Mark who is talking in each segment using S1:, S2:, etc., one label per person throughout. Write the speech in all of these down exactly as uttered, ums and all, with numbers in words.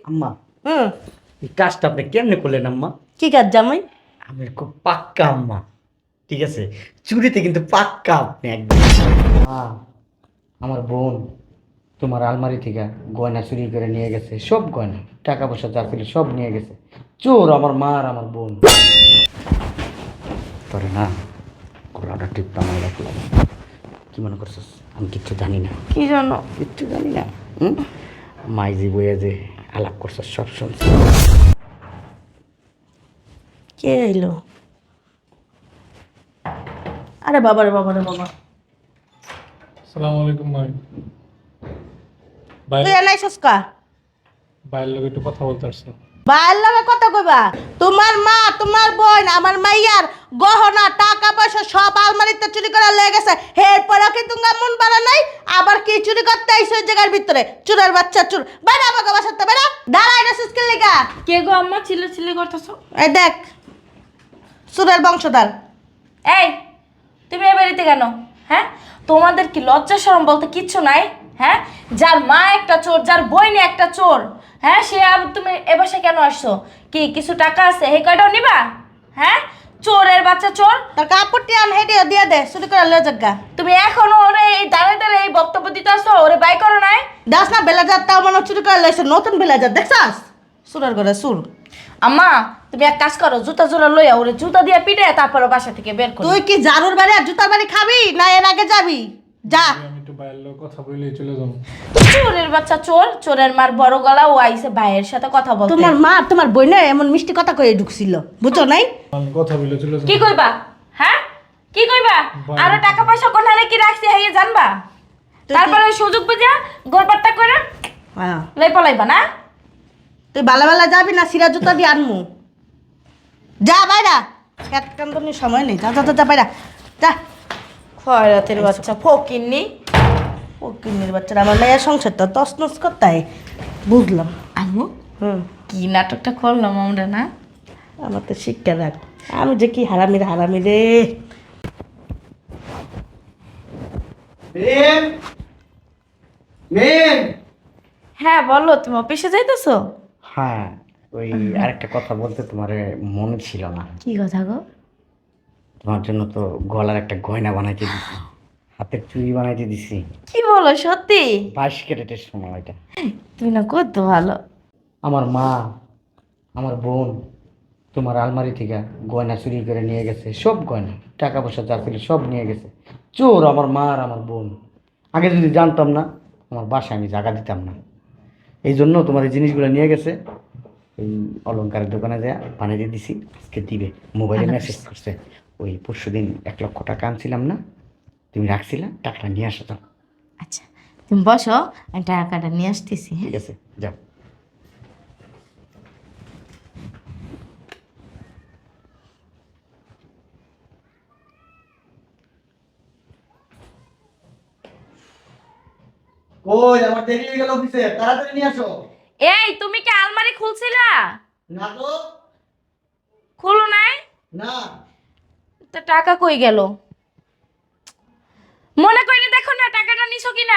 S1: আম্মা,
S2: হুম।
S1: এই কাজটা আপনি কেমনে করলেন আম্মা?
S2: কি কাজ জামাই?
S1: আমি খুব পাক্কা আম্মা, ঠিক আছে? চুরিতে কিন্তু পাক্কা আপনি একদম। মা, আমার বোন তোমার আলমারি থেকে গয়না চুরি করে নিয়ে গেছে, সব গয়না টাকা পয়সা যা ছিল সব নিয়ে গেছে। চোর আমার মা আর আমার বোন। তোরে না গলাটা টিপটা মাই রাখলাম। কি মনে করছিস আমি কিচ্ছু জানি না?
S2: কি জন্য?
S1: কিচ্ছু জানি না। হুম, মাইজি বইয়ে যে আলাপ করছিস সব শুনছি।
S2: কে এলো? আরে বাবা রে বাবা রে বাবা,
S3: আসসালামু আলাইকুম ভাই। ভাই,
S2: তুই এনাই সস্কা
S3: ভাইয়ের লোক একটু কথা বলতে আসছো।
S2: বাইর লগে কথা কইবা? তোমার মা তোমার বোন আমার মাইয়ার গহনা টাকা পয়সা সব আলমারিতে চুরি করে লয়ে গেছে। এরপরে কি তুমি মন পারা নাই? আবার কি চুরি করতে আইছো ওই জায়গার ভিতরে? চুরের বাচ্চা চুর, বাইরে আমাকে বাসাতে বাইরে দাঁড়াই না সুস্কিল লেগা।
S4: কে গো আম্মা চিল্লা চিল্লি করতেছো?
S2: এই দেখ, চুরের বংশধর।
S4: এই তুমি এ বাড়িতে কেন? হ্যাঁ, তোমাদের কি লজ্জা শরম বলতে কিচ্ছু নাই? হ্যাঁ, যার মা একটা চোর, যার বইনে একটা চোর, হ্যাঁ সে আবার তুমি এ বাসায় কেন আসছো? কি কিছু টাকা আছে এই কয়টাও নিবা? হ্যাঁ, চোরের বাচ্চা চোর।
S2: তোর কাপড়টি আন হেঁটে দিয়ে দে, চুরি করে লয়ে যাগা।
S4: তুমি এখনো ওরে এই দাঁড়ে দাঁড়ে এই বক্তব্য দিতে আসছো, ওরে বাই করো নাই?
S2: দাস না বেলাজার তাও মনে হয় চুরি করে লয়েছে, নতুন বেলাজার দেখছাস? চুরের ঘরে চুর।
S4: আম্মা তুমি এক কাজ করো, জুতা জোড়া লইয়া ওরে জুতা দিয়ে পিটে তারপরে বাসা থেকে বের করো।
S2: তুই কি জারুর বাড়ি আর জুতার বাড়ি খাবি না এর আগে যাবি? যা।
S3: আমি একটু ভাইয়ের লোক কথা বলে চলে যাবো।
S4: চোরের বাচ্চা চোর, চোরের মার বড় গলা, ও আইছে ভাইয়ের সাথে কথা বলতে।
S2: তোমার মা তোমার বইনে এমন মিষ্টি কথা কয়ে ঢুকছিল, বুঝছো নাই?
S3: আমি কথা বলে চলে যাবো।
S4: কি কইবা? হ্যাঁ কি কইবা?
S3: বাই।
S4: আরো টাকা পয়সা কোনারে কি রাখছি হাইয়ে জানবা?
S2: তুই
S4: তারপরে ওই সুযোগ বুঝা গোলপাট্টা করে
S2: হ্যাঁ,
S4: লাই পলাইবা না?
S2: তুই বেলা বেলা যাবি না সিরা জুতা দিয়ে আনমু? যা বাইরা, খেত কান্দনের সময় নেই, যা যা যা, যা বাইরা যা।
S4: খয়রাতের বাচ্চা ফকিন্নি।
S2: ফকিন্নির বাচ্চারা আমার মেয়ের সংসারটা তছনছ করতে হয়। বুঝলাম।
S4: আম্মু
S2: হুম,
S4: কি নাটকটা করলাম আমরা না?
S2: আমার তো শিক্ষা রাখ। আমি যে কি হারামির হারামি রে।
S1: মেম, মেম।
S4: হ্যাঁ বলো, তুমি অফিসে যাইতেছো?
S1: হ্যাঁ, ওই আরেকটা কথা বলতে তোমার মনে ছিল না।
S4: কি কথা গো?
S1: তোমার জন্য তো গলার একটা গয়না বানাইতে দিছি, হাতের চুড়ি বানাইতে দিছি।
S4: কি বলো সত্যি?
S1: বাইশ ক্যারেটের সময় এটা।
S4: তুমি না কত ভালো।
S1: আমার মা, আমার বোন তোমার আলমারি থেকে গয়না চুরি করে নিয়ে গেছে, সব গয়না টাকা পয়সা যা ছিল সব নিয়ে গেছে। চোর আমার মা আর আমার বোন। আগে যদি জানতাম না আমার বাসায় আমি জায়গা দিতাম না। এই জন্য তোমার এই জিনিসগুলো নিয়ে গেছে। এই অলংকারের দোকানে যা বানিয়ে দিছি, আজকে দিবে। মোবাইলে মেসেজ করছে, ওই পরশু দিন এক লক্ষ টাকা আনছিলাম না, তুমি রাখছিলা, টাকাটা নিয়ে আসো তো।
S4: আচ্ছা তুমি বসো, আমি টাকাটা নিয়ে আসতেছি।
S1: ঠিক আছে, যাও। ওই আমার দেরি হয়ে গেল অফিসে, তাড়াতাড়ি নিয়ে আসো।
S4: এই তুমি কি আলমারি খুলছিলা?
S1: না তো।
S4: খুলো নাই?
S1: না।
S4: তো টাকা কই গেল? মনে করে দেখো না টাকাটা নিছো কিনা।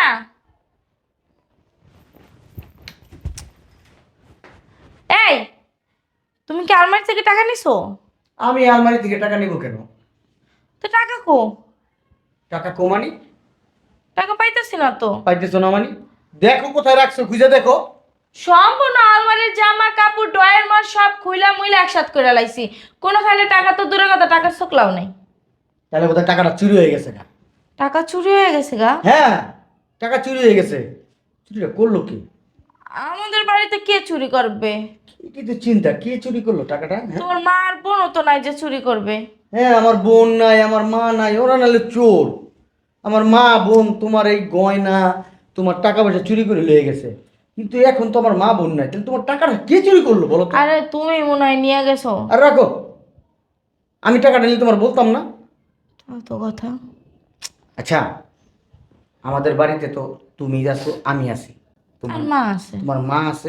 S4: এই তুমি কি আলমারি থেকে টাকা নিছো?
S1: আমি আলমারি থেকে টাকা নিব কেন?
S4: তো টাকা কো?
S1: টাকা কমানি?
S4: টাকা পাইতেছি না তো।
S1: পাইতেছো না মানি? দেখো কোথায় রাখছো, খুঁজে দেখো।
S4: সম্পূর্ণ আলমারির জামা কাপড় ড্রয়ার মার সব খুইলা মুইলা একসাথ করে লাইছি, কোনোখানে টাকা তো দূরের কথা টাকার চোখলাও নাই।
S1: তাহলে বোধহয় টাকাটা চুরি হয়ে গেছে গা।
S4: টাকা চুরি হয়ে গেছে গা?
S1: হ্যাঁ, টাকা চুরি হয়ে গেছে। চুরিটা করলো কি?
S4: আমাদের বাড়িতে কে চুরি করবে?
S1: কি কি তো চিন্তা, কে চুরি করলো টাকাটা? হ্যাঁ,
S4: তোর মা আর বোনও তো নাই যে চুরি করবে।
S1: হ্যাঁ, আমার বোন নাই, আমার মা নাই, ওরা নাহলে চোর। আমার মা বোন তোমার এই গয়না তোমার টাকা পয়সা চুরি করে লয়ে গেছে, কিন্তু এখন তো আমার মা বোন নাই, তাহলে তোমার টাকাটা কে চুরি করলো বলো তো?
S4: আরে তুমি মনে হয় নিয়ে গেছো।
S1: আর রাখো, আমি টাকাটা নিলে তোমার বলতাম না।
S4: তাও তো কথা।
S1: আচ্ছা, আমাদের বাড়িতে তো তুমি আছো, আমি আছি,
S4: আর
S1: তোমার
S4: মা আছে।
S1: তোমার মা আছে,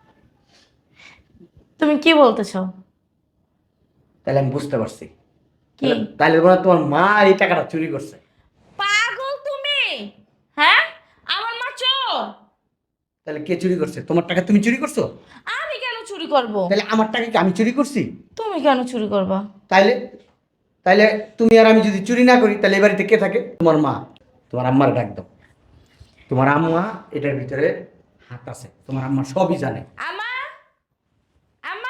S4: তুমি কি বলতেছো?
S1: তাহলে আমি বুঝতে পারছি।
S4: কি
S1: তাহলে- তাহলে মনে হয় তোমার মা এই টাকাটা চুরি করছে।
S4: পাগল তুমি? হ্যাঁ, আমার মা চোর?
S1: তাহলে কে চুরি করছে? তোমার টাকা তুমি চুরি করছো?
S4: আমি কেন চুরি করব?
S1: তাহলে আমার টাকা কি আমি চুরি করছি?
S4: তুমি কেন চুরি করবা?
S1: তাইলে তাইলে তুমি আর আমি যদি চুরি না করি তাহলে এ বাড়িতে কে থাকে? তোমার মা। তোমার আম্মার ডাক দাও। তোমার আম্মা এটার ভিতরে হাত আছে, তোমার আম্মা সবই জানে।
S4: আমা, আমা,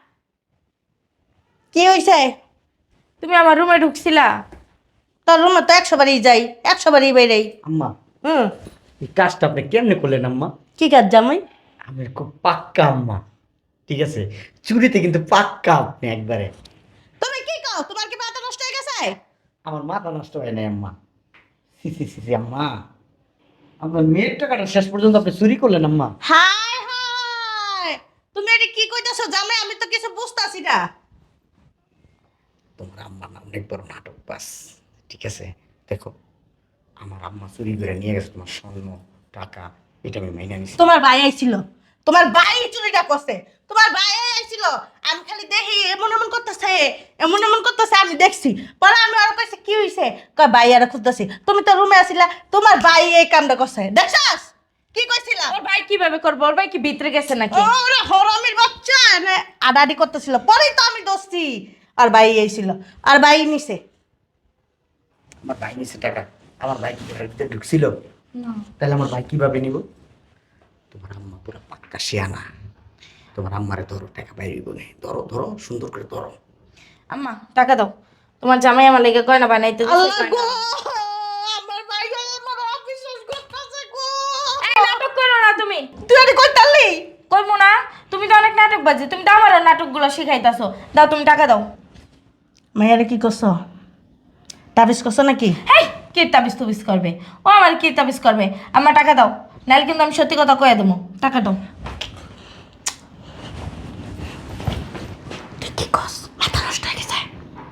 S2: কি হইছে?
S4: তুমি আমার রুমে ঢুকছিলা?
S2: তোর রুমে তো একশো বারই যাই, একশো বারই বাইরেই।
S1: আম্মা
S2: হুম,
S1: এই কাজটা আপনি কেমনে করলেন আম্মা?
S2: কি কাজ জামাই?
S1: আমি খুব পাক্কা আম্মা, ঠিক আছে? চুরিতে কিন্তু পাক্কা আপনি একবারে।
S2: তুমি কি কও? তোমার কি মাথা নষ্ট হয়ে গেছে?
S1: আমার মাথা নষ্ট হয় নাই আম্মা। সি সি সি সি, আম্মা আপনার মেয়ের টাকাটা শেষ পর্যন্ত আপনি চুরি করলেন আম্মা।
S2: হায় হায়, তুমি এটা কি কইতাছো জামাই? আমি তো কিছু বুঝতাছি না।
S1: তোমার আম্মা না অনেক বড় নাটক বাস, ঠিক আছে? দেখো, আমার আম্মা চুরি করে নিয়ে গেছে তোমার স্বর্ণ টাকা, এটা আমি মাইনা নিছি।
S2: তোমার ভাই আইছিল, তোমার ভাই চুরিটা করছে, তোমার ভাই আইছিল। আমি খালি দেখি এমন এমন করতেছে, এমন এমন করতেছে, আমি দেখছি। পরে আমি আর কইছে কি হইছে? কয় ভাই আর খুঁজতেছি। তুমি তো রুমে আছিলা, তোমার ভাই এই কামটা করছে, দেখছাস? কি কইছিলা?
S4: ওর ভাই কিভাবে করবো? ওর ভাই কি ভিতরে গেছে নাকি?
S2: ওরে হরামির বাচ্চা, এনে আডাডি করতেছিল, পরেই তো আমি দোস্তি। আর ভাই আইছিল, আর ভাই নিছে।
S1: আমার ভাই নিছে টাকা, আমার ভাই কি ঘরের ভিতরে ঢুকছিল?
S4: না।
S1: তাহলে আমার ভাই কিভাবে নিব? তোমার আম্মা পুরো পাক্কা শিয়ানা। তোমার আম্মারে ধরো, টাকা বাইরে বলে ধরো, ধরো সুন্দর করে ধরো।
S4: আম্মা টাকা দাও, তোমার জামাই আমার লেগে গয়না বানাইতে দিছে,
S2: আল্লাহ
S4: গয়না।
S2: গো, আমার ভাই আমার অবিশ্বাস করতেছে গো।
S4: এই নাটক করো না তুমি।
S2: তুই এটা কই তালি?
S4: কইবো না, তুমি তো অনেক নাটক বাজে, তুমি তো আমারও নাটকগুলো শিখাইতাছো। দাও, তুমি টাকা দাও।
S2: মায়েরা কি করছো? তাবিজ করছো নাকি?
S4: হেই, কে তাবিজ তুবিজ করবে? ও আমার কি তাবিজ করবে? আমার টাকা দাও, নাহলে কিন্তু আমি সত্যি কথা কয়ে দেবো। টাকা দাও।
S2: তুই কি করছ? মাথা নষ্ট হয়ে গেছে।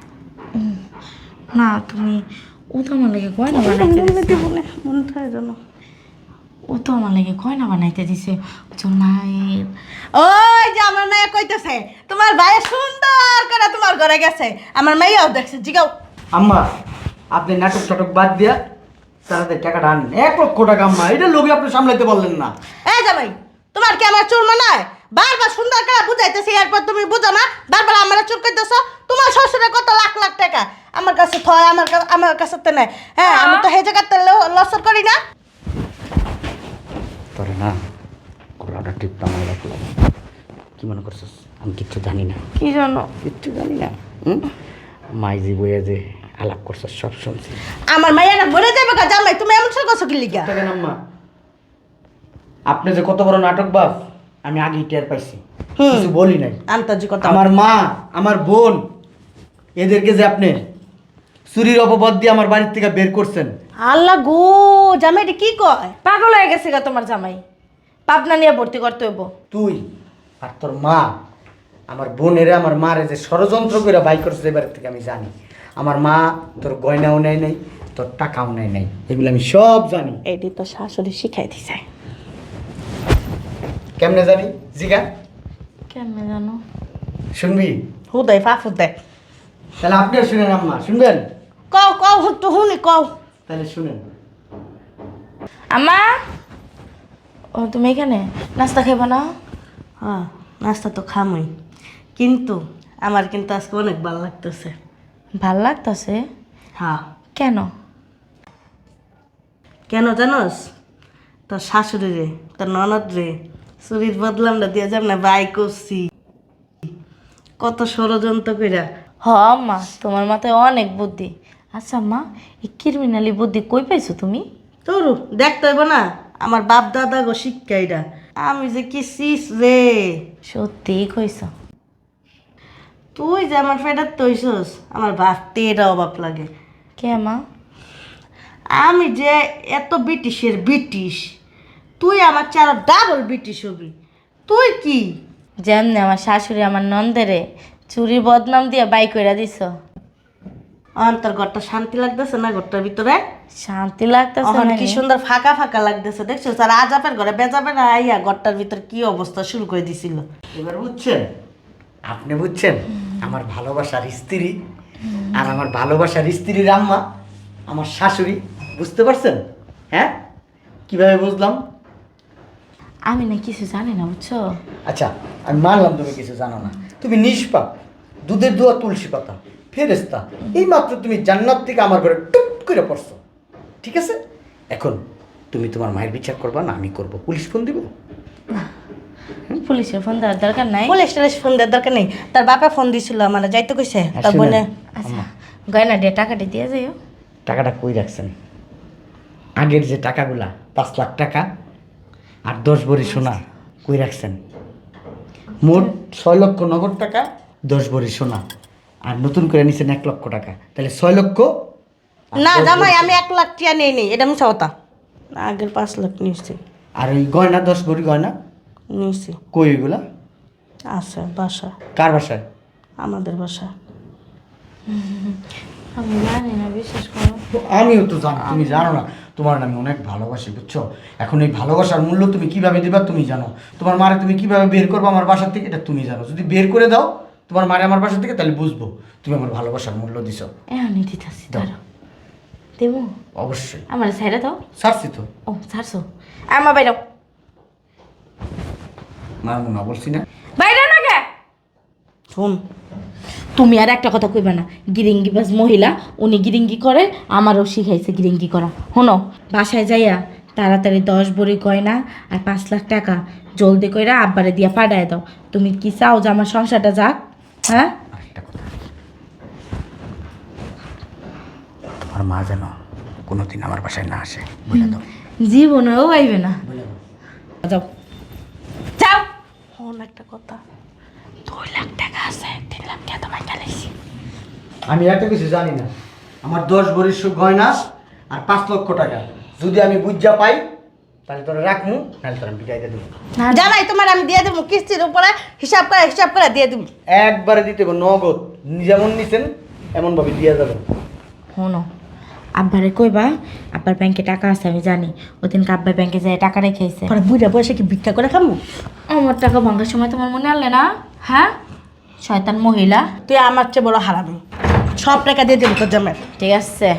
S4: না তুমি, ও তো আমার লেগে গয়না বানাইতে দিছে।
S2: মন থাকে জানো।
S4: ও তো আমার লেগে গয়না বানাইতে দিছে। ওর মায়ের
S2: ওই যে আমার মেয়ে কইতেছে তোমার ভাই সুন্দর করে তোমার ঘরে গেছে, আমার মেয়েও দেখছে। জিগাও।
S1: আম্মা আপনি নাটক টাটক বাদ দিয়া তাড়াতাড়ি টাকাটা আনেন। এক লক্ষ টাকা আম্মা, এটা লোকে আপনি সামলাইতে পারলেন না।
S2: এই জামাই, তোমার কি আমার চুল মানায়? বারবার সুন্দর করে বুঝাইতেছি, এরপর তুমি বুঝো না, বারবার আমার চুল কইতেছো। তোমার শ্বশুরের কত লাখ লাখ টাকা আমার কাছে থয়, আমার কাছে আমার কাছে তো নেয়। হ্যাঁ, আমি তো হে জায়গাতে লসর করি না।
S1: তোরে না গলাটা টিপটা আমার লাগলো। কি মনে করছিস আমি কিচ্ছু জানি না?
S4: কি জানো?
S1: কিচ্ছু জানি না। হুম, মাইজি বইয়া যে আলাপ করছিস সব শুনছি।
S2: আমার মাইয়ারা মরে যাবে গা জামাই, তুমি এমন সব করছো কি লিগা?
S1: দেখেন আম্মা, আপনি যে কত বড় নাটক বাস আমি আগেই টের পাইছি,
S2: হুম।
S1: কিছু বলি নাই।
S2: আন্তর্জাতিকতা
S1: আমার মা, আমার বোন, এদেরকে যে আপনি চুরির অপবাদ দিয়ে আমার বাড়ির থেকে বের করছেন।
S2: আল্লাহ গো, জামাই এটা কি কয়?
S4: পাগল হয়ে গেছে গা তোমার জামাই, পাবনা নিয়ে ভর্তি করতে হইব।
S1: তুই আর তোর মা আমার বোনেরে আমার মারে যে ষড়যন্ত্র করে বাই করছে এবার থেকে আমি জানি। আমার মা তোর গয়নাও নেয় নাই, তোর টাকাও নেয় নাই, এগুলো আমি সব জানি।
S2: এটি তো শাশুড়ি শিখাই দিছে।
S1: কেমনে জানি জিগা?
S4: কেমনে জানো?
S1: শুনবি?
S2: হুদাই ফাফুদ দেয়।
S1: তাহলে আপনিও শুনেন আম্মা, শুনবেন?
S2: কও কও তো হুনি কও।
S1: তাহলে শুনেন।
S4: আম্মা, ও তুমি এখানে নাস্তা খাইবা না?
S2: হ্যাঁ, নাস্তা তো খামই, কিন্তু আমার কিন্তু আজকে অনেক ভালো লাগতেছে।
S4: ভাল লাগতাছে?
S2: হ্যাঁ।
S4: কেন?
S2: কেন জানোস? তোর শাশুড়ি রে, তোর ননদ রে চুরির বদলামটা দিয়ে যাব না বাই করছি, কত ষড়যন্ত্র কইরা।
S4: হ আম্মা, তোমার মাথায় অনেক বুদ্ধি। আচ্ছা আম্মা, এই ক্রিমিনালি বুদ্ধি কই পাইছো তুমি?
S2: তোর দেখতে হইব না, আমার বাপ দাদা গো শিক্ষাইরা। আমি যে কি সিস রে।
S4: সত্যিই কইছ?
S2: তুই যে আমার ফেডার তৈছস, আমার ভাবতে এটা অভাব লাগে।
S4: কে মা?
S2: আমি যে এত ব্রিটিশের ব্রিটিশ, তুই আমার চারা ডাবল ব্রিটিশ হবি। তুই কি
S4: যেমনি আমার শাশুড়ি আমার নন্দেরে চুরির বদনাম দিয়ে বাই কইরা দিছ।
S2: অন্তর ঘরটা শান্তি লাগতেছে না? ঘরটার ভিতরে
S4: শান্তি লাগতেছে
S2: এখন
S4: মানে?
S2: কি সুন্দর ফাঁকা ফাঁকা লাগতেছে, দেখছো? আর আজাপের ঘরে বেজাবে না আইয়া ঘরটার ভিতরে কি অবস্থা শুরু করে দিছিল।
S1: এবার বুঝছেন? আপনি বুঝছেন? আমার ভালোবাসার স্ত্রী আর আমার ভালোবাসার স্ত্রীর আম্মা আমার শাশুড়ি, বুঝতে পারছেন? হ্যাঁ, কিভাবে বুঝলাম?
S4: আমি না কিছু জানি না বুঝছো।
S1: আচ্ছা আমি মানলাম তুমি কিছু জানো না, তুমি নিষ্পাপ, দুধের দোয়া তুলসী পাতা, ফেরেস্তা, এই মাত্র তুমি জান্নাত থেকে আমার ঘরে টুপ করে পড়ছো, ঠিক আছে? এখন তুমি তোমার মায়ের বিচার করবা না আমি করব, পুলিশ ফোন দিব?
S4: পুলিশের ফোন দেওয়ার দরকার নাই।
S2: পুলিশ টুলিশ ফোন দেওয়ার দরকার নেই, তার বাপা ফোন দিছিল আমার, যাইতে কইছে তার
S1: আসলে-
S2: বোনে।
S4: আচ্ছা গয়না দিয়ে টাকাটা দিয়ে যাইও।
S1: টাকাটা কই রাখছেন? আগের যে টাকাগুলা পাঁচ লাখ টাকা আর দশ ভরি সোনা কই রাখছেন? মোট ছয় লক্ষ নগদ টাকা, দশ ভরি সোনা, আর নতুন করে নিছেন এক লক্ষ টাকা, তাহলে ছয় লক্ষ। আর
S2: না
S1: দশ
S2: জামাই
S1: ভরি-
S2: আমি এক লাখ টিয়া নেই নেই, এটা মিছা কথা। আগের পাঁচ লাখ নিয়েছি
S1: আর ওই গয়না দশ ভরি গয়না
S2: নিয়েছি।
S1: কই ওইগুলা?
S2: আছে বাসা,
S1: কার বাসায়?
S2: আমাদের বাসা।
S4: আমি জানি না, বিশ্বাস করো।
S1: তো আমিও তো জানি, তুমি জানো না তোমার আমি অনেক ভালোবাসি, বুঝছো? এখন এই ভালোবাসার মূল্য তুমি কিভাবে দিবা তুমি জানো, তোমার মারে তুমি কিভাবে বের করবো আমার বাসার থেকে এটা তুমি জানো। যদি বের করে দাও তোমার মারে আমার বাসা থেকে, তাহলে বুঝবো তুমি আমার ভালোবাসার মূল্য দিছো।
S4: এমনি দিতেছি
S1: দাও।
S4: ধরো। দেবো?
S1: অবশ্যই
S4: আমার সাইডে দাও।
S1: ছাড়ছি তো,
S4: ও ছাড়ছো? আমার বাইরেও
S1: মারবো না বলছি না।
S4: বাইরে না কে?
S2: শোন,
S4: তুমি আর একটা কথা কইবা না। গিরিঙ্গিবাজ মহিলা, উনি গিরিঙ্গি করে, আমারও শিখাইছে গিরিঙ্গি করা। শোনো, বাসায় যাইয়া তাড়াতাড়ি দশ ভরি গয়না আর পাঁচ লাখ টাকা জলদি কইরা আব্বারে দিয়া পাঠায় দাও। তুমি কি চাও যে আমার সংসারটা যাক? হ্যাঁ,
S1: আরেকটা কথা, তোমার মা যেন কোনোদিন আমার বাসায় না আসে, বলে দাও।
S4: জীবনেও আইবে না।
S1: বলে দাও।
S4: যাও যাও।
S2: শোন একটা কথা,
S4: দুই লাখ টাকা আছে, তিন লাখ টাকা তোমায় গেলেছি।
S1: আমি এত কিছু জানি না, আমার দশ ভরির সু- গয়না আর পাঁচ লক্ষ টাকা যদি আমি বুঝা পাই তাহলে তোরা রাখমু, নাহলে তোরা বিদায় দিয়ে দেবো।
S2: জামাই তোমার আমি দিয়ে দেবো কিস্তির উপরে, হিসাব করে হিসাব করে দিয়ে দেবো।
S1: একবারে দিতে হবে নগদ, যেমন নিছেন এমনভাবে দিয়ে যাবেন।
S4: শোনো, আব্বারে কইবা আব্বার ব্যাংকে টাকা আছে, আমি জানি। ওই দিন আব্বার ব্যাংকে যায় টাকা রেখেছে।
S2: পরে বুড়া বয়সে কি ভিক্ষা করে খামু?
S4: আমার টাকা ভাঙার সময় তোমার মনে আনলে না? হ্যাঁ, শয়তান মহিলা।
S2: তুই আমার চেয়ে বড় হারামি, সব টাকা দিয়ে দেবো তোর জামাই।
S4: ঠিক আছে,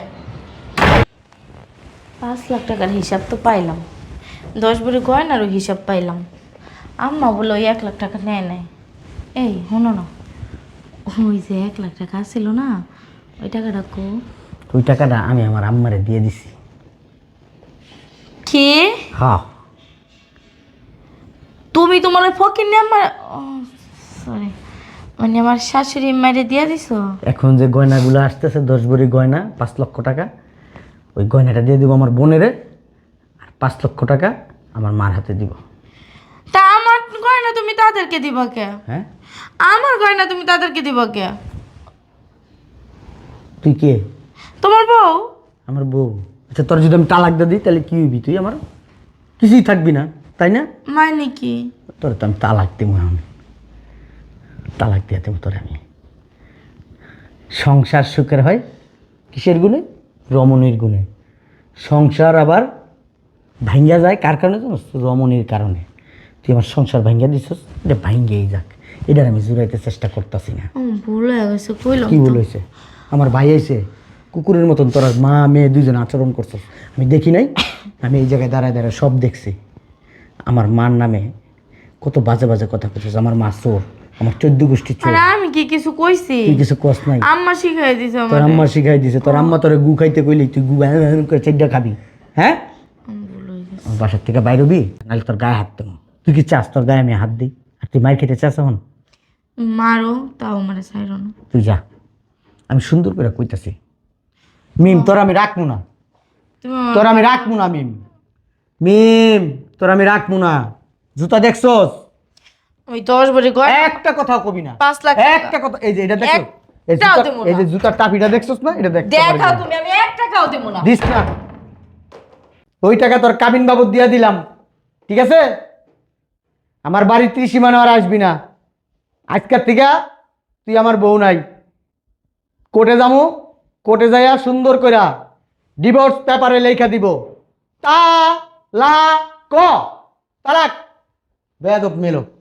S4: পাঁচ লাখ টাকার হিসাব তো পাইলাম, দশ ভরি গয়নারও হিসাব পাইলাম। আম্মা বলে ওই এক লাখ টাকা নেয় নাই। এই শোনো না, ওই যে এক লাখ টাকা ছিল না, ওই টাকাটা কো?
S1: ওই টাকাটা আমি আমার আম্মারে দিয়ে দিছি।
S4: কি?
S1: হ্যাঁ,
S4: তুমি তোমার ওই ফকির নিয়ে আমার, সরি, মানে আমার শাশুড়ি মাইরে দিয়ে দিছো?
S1: এখন যে গয়নাগুলো আসতেছে দশ ভরি গয়না পাঁচ লক্ষ টাকা, ওই গয়নাটা দিয়ে দিব আমার বোনেরে, আর পাঁচ লক্ষ টাকা আমার মার হাতে দিব।
S4: তা আমার গয়না তুমি তাদেরকে দিবা কে?
S1: হ্যাঁ,
S4: আমার গয়না তুমি তাদেরকে দিবা কে?
S1: তুই কে?
S4: তোমার বউ?
S1: আমার বউ। আচ্ছা তোর যদি আমি তালাক দিয়ে দিই তাহলে কি হইবি তুই? আমার কিছুই থাকবি না, তাই না?
S4: মানে কি?
S1: তোর তো আমি তালাক দিব, এখন তালাক দিয়ে দেবো তোর আমি। সংসার সুখের হয় কিসের গুণে? রমণীর গুণে। সংসার আবার ভাঙ্গা যায় কার কারণে জানোস? রমণীর কারণে। তুই আমার সংসার ভাঙ্গা দিছস, এটা ভাঙ্গেই যাক, এটার আমি জুড়াইতে চেষ্টা করতেছি না।
S4: ও, ভুল হয়ে গেছে, কইলাম
S1: কি
S4: তো।
S1: ভুল হয়েছে? আমার ভাই আইছে, কুকুরের মতন তোরা মা মেয়ে দুইজন আচরণ করছস, আমি দেখি নাই? আমি এই জায়গায় দাঁড়ায় দাঁড়ায় সব দেখছি। আমার মার নামে কত বাজে বাজে কথা করছিস। আমার মা চোর, আমার চোদ্দ গোষ্ঠী চোর।
S4: আরে আমি কি কিছু কইছি?
S1: তুই কিছু কস নাই,
S4: আম্মা শিখাই দিছে
S1: তোর
S4: আমার।
S1: আম্মা শিখাই দিছে। তোর আম্মা তোরে গু খাইতে কইলি তুই গু হ্যাঁ হ্যাঁ করে চেড্ডা খাবি? হ্যাঁ, আমার বাসার থেকে বাইর হবি, নাহলে তোর গায়ে হাত দেবো। তুই কি চাস তোর গায়ে আমি হাত দিই? আর তুই মার খেতে চাস এখন?
S4: মারো, তাও মারে ছাইরো না।
S1: তুই যা, আমি সুন্দর করে কইতাছি। মিম তোর আমি রাখবো না,
S4: তুমি আমার-
S1: তোর আমি রাখবো না মিম। মিম তোর আমি রাখবো না। জুতা দেখছস?
S4: ওই দশ ভরি গয়না,
S1: একটা কথাও কবি না,
S4: পাঁচ লাখ টাকা।
S1: একটা কথা। এই যে এটা দেখো, এই
S4: একটাও
S1: জুতা-
S4: দেবো না।
S1: এই যে জুতার টাপিটা দেখছস না, এটা দেখ।
S4: দেখাও তুমি, আমি এক টাকাও দেবো না।
S1: দিস না, ওই টাকা তোর কাবিন বাবদ দিয়া দিলাম, ঠিক আছে? আমার বাড়ির ত্রিসীমানা আর আসবি না। আজকের থেকে তুই আমার বউ নাই। কোর্টে যামু, কোর্টে যাইয়া সুন্দর কইরা ডিভোর্স পেপারে লেখা দিব, তা লা ক তালাক। বেয়াদব মেলো।